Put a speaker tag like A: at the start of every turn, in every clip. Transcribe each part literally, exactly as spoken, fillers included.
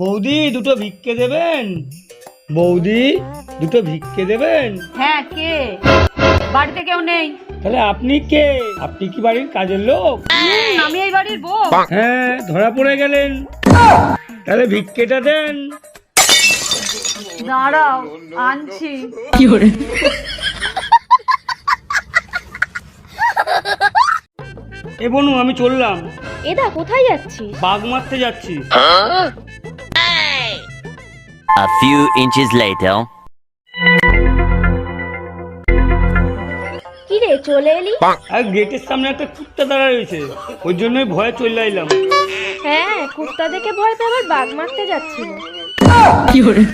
A: বৌদি দুটো ভিক্ষে দেবেন? বৌদি দুটো ভিক্ষে দেবেন?
B: হ্যাঁ, কে? বাড়িতে কেউ নেই।
A: তাহলে আপনি কে? আপনি কি বাড়ির কাজের লোক?
B: হুম, আমি এই বাড়ির বউ।
A: হ্যাঁ, ধরা পড়ে গেলেন। তাহলে ভিক্ষেটা দেন।
B: দাঁড়াও, আনছি।
A: কি করে? এ বনু, আমি চললাম।
C: এদা কোথায় যাচ্ছিস?
A: বাঘ মারতে যাচ্ছি।
D: A few inches later.
C: কি রে, চলে এলি?
A: আর গেটের সামনে একটা কুত্তা দাঁড়া রয়েছে, ওই জন্যই ভয়ে চলে আইলাম।
C: হ্যাঁ, কুত্তা দেখে ভয় পেয়ে আবার বাঘ মারতে যাচ্ছিল।
A: কি করে?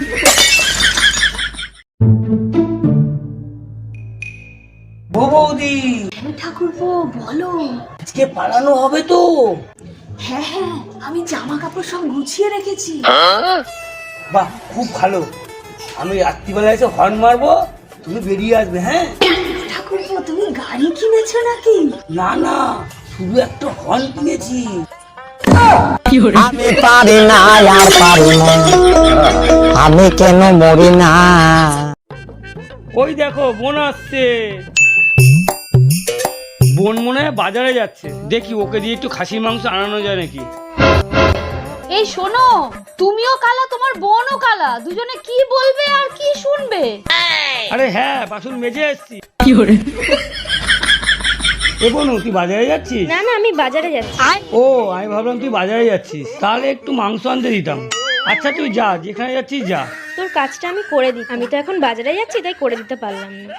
A: ও বৌদি,
B: ঠাকুরপো বলো।
A: আজকে পালানো হবে তো?
B: হ্যাঁ হ্যাঁ, আমি জামা কাপড় সব গুছিয়ে রেখেছি।
A: বাহ, খুব ভালো। আমি রাত্রিবেলা এসে হর্ন মারবো, তুমি বেরিয়ে আসবে। হ্যাঁ
B: ঠাকুরপো, তুমি গাড়ি কিনেছো নাকি?
A: না না, শুধু একটা হর্ন কিনেছি।
E: আমি পারি না আর পারি না, আমি কেন মরি না।
A: ওই দেখো, বোন আসছে। বোন মনে হয় বাজারে যাচ্ছে, দেখি ওকে দিয়ে একটু খাসির মাংস আনানো যায় নাকি।
B: এই শোনো, তুমিও কালা, তোমার বোনও কালা, দুজনে কি বলবে আর কি শুনবে?
A: আরে হ্যাঁ, বাসন মেজে এসছি। কি করে? এ বোনু, তুই বাজারে যাচ্ছিস?
C: না না, আমি বাজারে যাচ্ছি।
A: ও, আমি ভাবলাম তুই বাজারে যাচ্ছিস, তাহলে একটু মাংস আনতে দিতাম। আচ্ছা তুই যা, যেখানে যাচ্ছিস যা।
C: তোর কাজটা আমি করে দিই, আমি তো এখন বাজারে যাচ্ছি, তাই করে দিতে পারলাম না।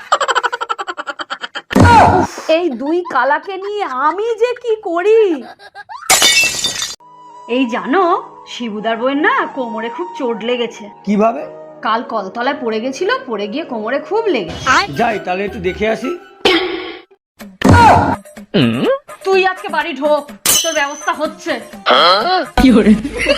B: এই দুই কালাকে নিয়ে আমি যে কি করি। এই জানো, শিবুদার বউয়ের না কোমরে খুব চোট লেগেছে।
A: কিভাবে?
B: কাল কলতলায় পড়ে গেছিল, পড়ে গিয়ে কোমরে খুব লেগেছে।
A: যাই তাহলে একটু দেখে আসি।
B: তুই আজকে বাড়ি ঢোক, তোর ব্যবস্থা হচ্ছে।
A: কি করে?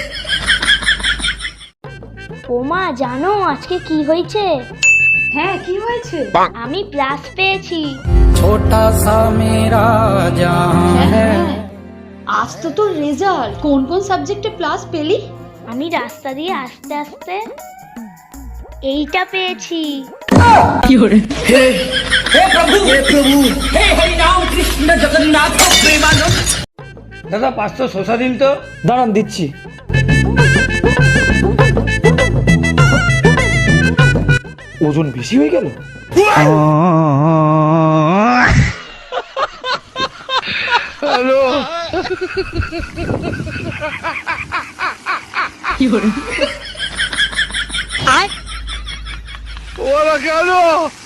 C: ও মা, জানো আজকে কি হয়েছে?
B: হ্যাঁ, কি হয়েছে?
C: আমি প্লাস পেয়েছি।
E: ছোটা সা মেরা জান
B: হ্যাঁ, আজ তো তোর রেজাল্ট। কোন কোন সাবজেক্টে প্লাস পেলি?
C: আমি রাস্তা দিয়ে আস্তে আস্তে এইটা পেয়েছি।
A: কি করে? দাদা, পাঁচশো শসা দিন তো। দাঁড়ান, দিচ্ছি। ওজন বেশি হয়ে গেল। হ্যালো, কি করে? ওরা কেন?